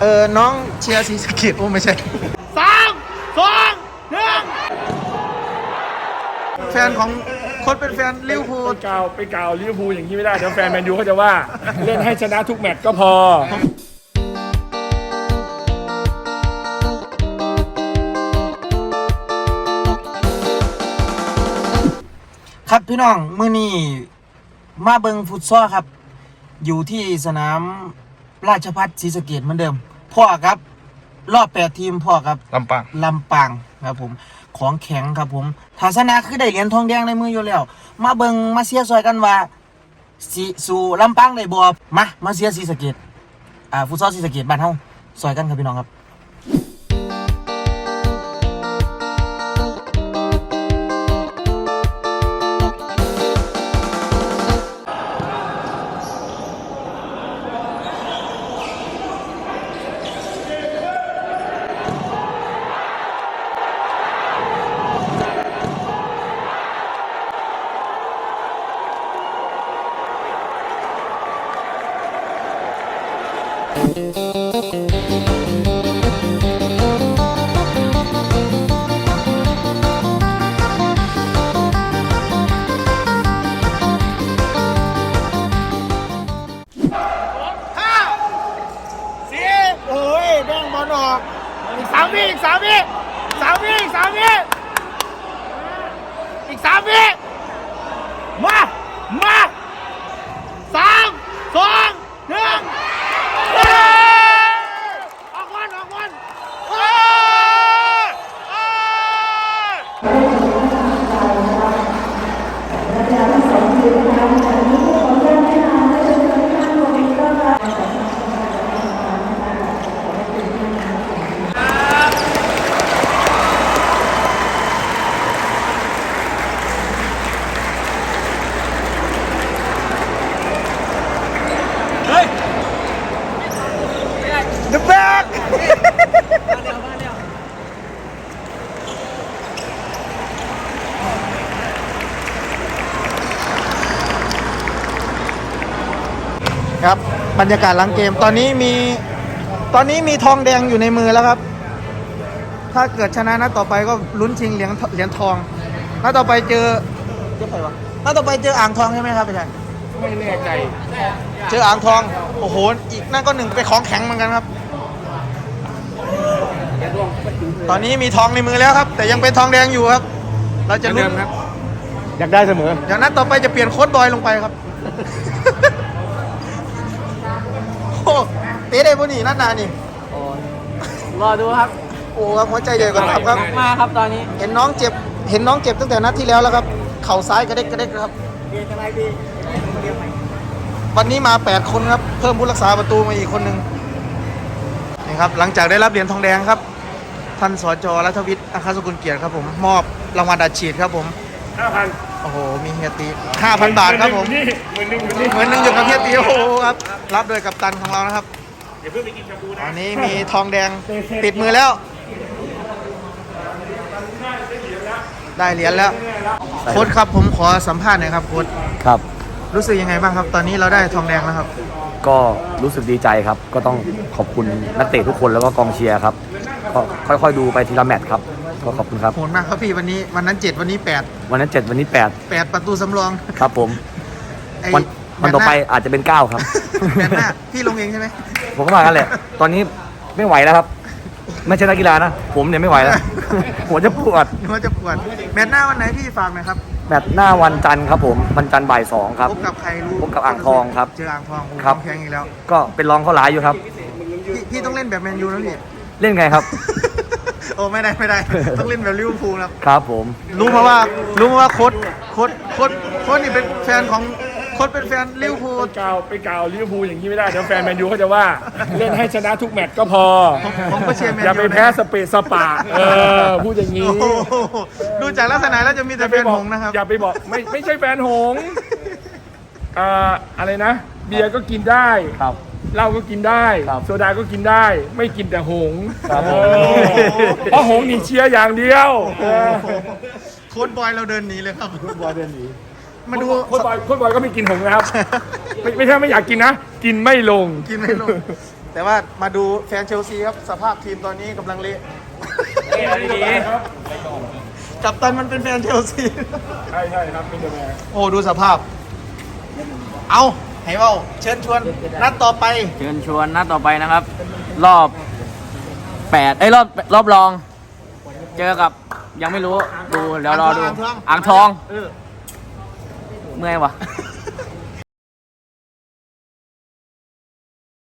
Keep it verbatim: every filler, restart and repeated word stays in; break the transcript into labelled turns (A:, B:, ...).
A: ออน้องเชียร์ศรีสะเกษโอ้ไม่ใช่
B: สามสองหนึ่ง
A: แฟนของคนเป็นแฟนลิเวอร์พูล
B: ไปกล่าวไปกล่าวลิเวอร์พูลอย่างนี้ไม่ได้เดี๋ยวแฟนแมนยูเขาจะว่าเล่นให้ชนะทุกแมตช์ก็พอ
A: ครับพี่น้องมื้อนี้มาเบิงฟุตซอลครับอยู่ที่สนามราชภัฏศรีสะเกษเหมือนเดิมพ่อครับรอบแปดทีมพ่อครับ
B: ลำปาง
A: ลำปางครับผมของแข็งครับผมทาสนาคือได้เหรียญทองแดงในมืออยู่แล้วมาเบิงมาเชียร์ซอยกันว่าสิสู่ลำปางได้บ่มามาเชียร์ศรีสะเกษอ่าฟุตซอลศรีสะเกษบ้านเฮาซอยกันครับพี่น้องครับ
B: อีกสามวิอีกสามวิสามวิอีกสามวิอีกสามวิมามาสามสองหนึ่งออกวันออกวัน
A: ครับบรรยากาศหลังเกมตอนนี้มีตอนนี้มีทองแดงอยู่ในมือแล้วครับถ้าเกิดชนะนัดต่อไปก็ลุ้นชิงเหรียญเหรียญทองนัดต่อไปเจอเจอใครวะนัดต่อไปเจออ่างทองใช่ไหมครับพี่ชาย
B: ไม่แน่ใจ
A: เจออ่างทองโอ้โหอีกนั่นก็หนึ่งไปของแข็งเหมือนกันครับตอนนี้มีทองในมือแล้วครับแต่ยังเป็นทองแดงอยู่ครับเราจะลุ้นครับ
B: อยากได้เสมอ
A: อย่างนัดต่อไปจะเปลี่ยนโค้ชบอยลงไปครับโอ้เตะได้ปุ่นี่นัดนานี่
C: รอดูครับ
A: โอ้ครับหัวใจใหญ่กว่าตับครับ
C: มาครับตอนนี้
A: เห็นน้องเจ็บเห็นน้องเจ็บตั้งแต่นัดที่แล้วแล้วครับเข่าซ้ายกระเด็กกระเด็กครับวันนี้มาแปดคนครับเพิ่มผู้รักษาประตูมาอีกคนนึงนี่ครับหลังจากได้รับเหรียญทองแดงครับท่านสจ.รัฐวิทย์อัครสกุลเกียรติครับผมมอบรางวัลอัดฉีดครับผม
B: ห้าพัน
A: โอ้โหมีเฮียตีห้าพันบาทครับผม
B: เหมือนหนึ่งเหมือน
A: หนึ่งอยู่กับเฮียตีโอ้โหครับรับโดยกัปตันของเรานะครับ
B: อย่าเพิ่งไปกินชาบูนะ
A: อันนี้มีทองแดงติดมือแล้วได้เหรียญแล้วโค้ชครับผมขอสัมภาษณ์หน่อยครับโค้ช
D: ครับ
A: รู้สึกยังไงบ้างครับตอนนี้เราได้ทองแดงแล้วครับ
D: ก็รู้สึกดีใจครับก็ต้องขอบคุณนักเตะทุกคนแล้วก็กองเชียร์ครับก็ค่อยๆดูไปทีละแมตช์ครับก็ขอบคุณครับ
A: โหดมากครับพี่วันนี้วันนั้นเจ็ดวันนี้แปด
D: วันนั้นเจ็ดวันนี้แปด
A: แปดประตูสำรอง
D: ครับผมวันวันต่อไปอาจจะเป็นเก้าครับ
A: แมตช์หน้าพี่ลงเองใช่ไหม
D: ผมก็มากันแหละตอนนี้ไม่ไหวแล้วครับไม่ใช่นักกีฬานะผมเนี่ยไม่ไหวแล้วหัวจะปวด
A: หัวจะปวดแมตช์หน้าวันไหนพี่ฝากหน่อยครับ
D: แมตช์หน้าวันจันทร์ครับผมวันจันทร์บ่ายสองครับ
A: พบกับใครรู้
D: พบกับอ่างทองครับ
A: เจออ่างทอง
D: ครับ
A: แข่งอีกแล้ว
D: ก็เป็นรองเขาหลายอยู่ครับ
A: พี่พี่ต้องเล่นแบบแมนยูนะพี่
D: เล่นไงครับ
A: โอ้ไม่ได้ไม่ได้ต้องเล่นแบบลิเวอร์พูลครับ
D: ครับผม
A: รู้มาว่ารู้มาว่าโค้ชโค้ชโค้ชโค้ชนี่เป็นแฟนของโค้ชเป็นแฟนลิเวอร์พูล
B: ไปกล่าวไปกล่าวลิเวอร์พูลอย่างนี้ไม่ได้เดี๋ยวแฟนแมนยูเขาจะว่าเล่นให้ชนะทุกแมตช์ก็พอ
A: ผมก็เชียร์แมนยู
B: อย่าไปแพ้สเปซสปาเออพูดอย่างนี้
A: ดูจากลักษณะแล้วจะมีแต่แฟนหงนะครับ
B: อย่าไปบอกไม่ไม่ใช่แฟนหงอ่าอะไรนะเบียร์ก็กินได้
D: ครับ
B: เหล้าก็กินได้โซดาก็กินได้ไม่กินแต่หงเพราะหงหนีเชียร์อย่างเดียว
A: โค้ชบอยเราเดินหนีเลยครับ
B: โค้ชบอยเดินหนี
A: มาดู
B: โค้ชบอยโค้ชบอยก็ไม่กินหงนะครับไม่ไม่ใช่ไม่อยากกินนะกินไม่ลง
A: กินไม่ลงแต่ว่ามาดูแฟนเชลซีครับสภาพทีมตอนนี้กำลังเละ
B: ดีครับ
A: กัปตันมันเป็นแฟนเชลซี
B: ใช่ใช่ครับเป็นยังไง
A: โอ้ดูสภาพ เอาให้เว้าเชิญชวนนัดต่อไป
C: เชิญชวนนัดต่อไปนะครับ รอบแปดไอ้ยรอบรอบรอง เจอกับยังไม่รู้ดูเดี๋ยวรอดู
A: อ่างทอง
C: อ่างทอง
A: เออ
C: เมื่อยวะ